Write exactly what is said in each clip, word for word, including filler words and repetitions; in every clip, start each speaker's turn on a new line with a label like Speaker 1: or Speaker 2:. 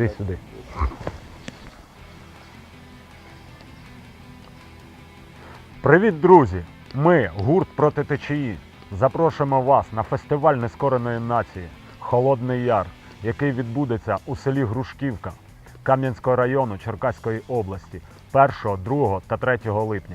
Speaker 1: Іди сюди. Привіт, друзі! Ми, гурт проти течії, запрошуємо вас на фестиваль нескореної нації «Холодний Яр», який відбудеться у селі Грушківка Кам'янського району Черкаської області першого, другого та третього липня.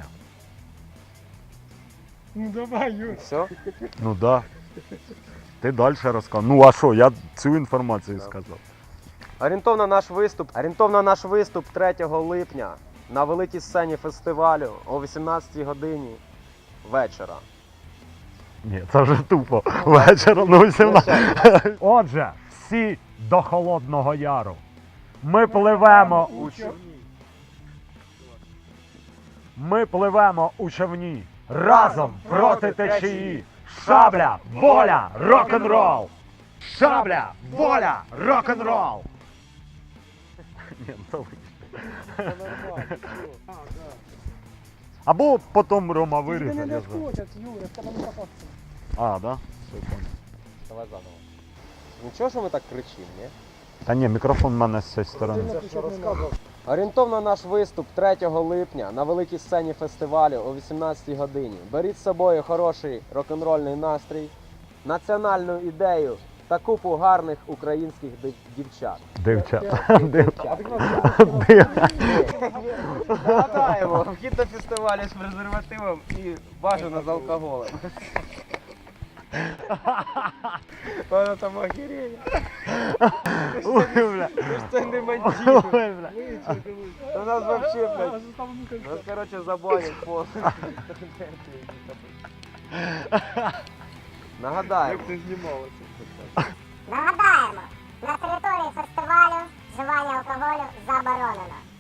Speaker 2: Ну давай, Юр.
Speaker 3: Все?
Speaker 1: Ну да. Ти далі розказав. Ну а що, я цю інформацію сказав.
Speaker 3: Орієнтовно наш виступ, орієнтовно наш виступ третього липня на великій сцені фестивалю о вісімнадцятій годині вечора.
Speaker 1: Ні, це вже тупо. Вечором на вісімнадцятій. Отже, всі до Холодного Яру. Ми пливемо у човні. Ми пливемо у човні. Разом проти течії. Шабля, воля, рок-н-рол! Шабля, воля, рок-н-рол! Ні, то або потім Рома
Speaker 2: Тебе
Speaker 1: виріже.
Speaker 2: не
Speaker 1: я знаю.
Speaker 2: доскочать, Юра, в тебе не попасться.
Speaker 1: А, да? Все, понял.
Speaker 3: Давай заново. Нічого, що ми так кричимо, ні?
Speaker 1: Та ні, мікрофон в мене з цієї сторони.
Speaker 2: Ти що розказував?
Speaker 3: Орієнтовно наш виступ третього липня на великій сцені фестивалю о вісімнадцятій годині. Беріть з собою хороший рок-н-рольний настрій, національну ідею та купу гарних українських див- дівчат.
Speaker 1: Дівчата. Дівчата.
Speaker 3: Нагадаємо, вхід до фестивалю з презервативом і бажано з алкоголем. Вона там охереє.
Speaker 1: Ой, бля.
Speaker 3: Ти ж це не
Speaker 1: Ой,
Speaker 3: мандів.
Speaker 1: бля.
Speaker 3: У нас вообще, блядь,
Speaker 2: Нагадаємо,
Speaker 3: нас, короче, забанять повністю. Нагадаємо,
Speaker 4: Нагадаємо, на території фестивалю вживання алкоголю заборонено.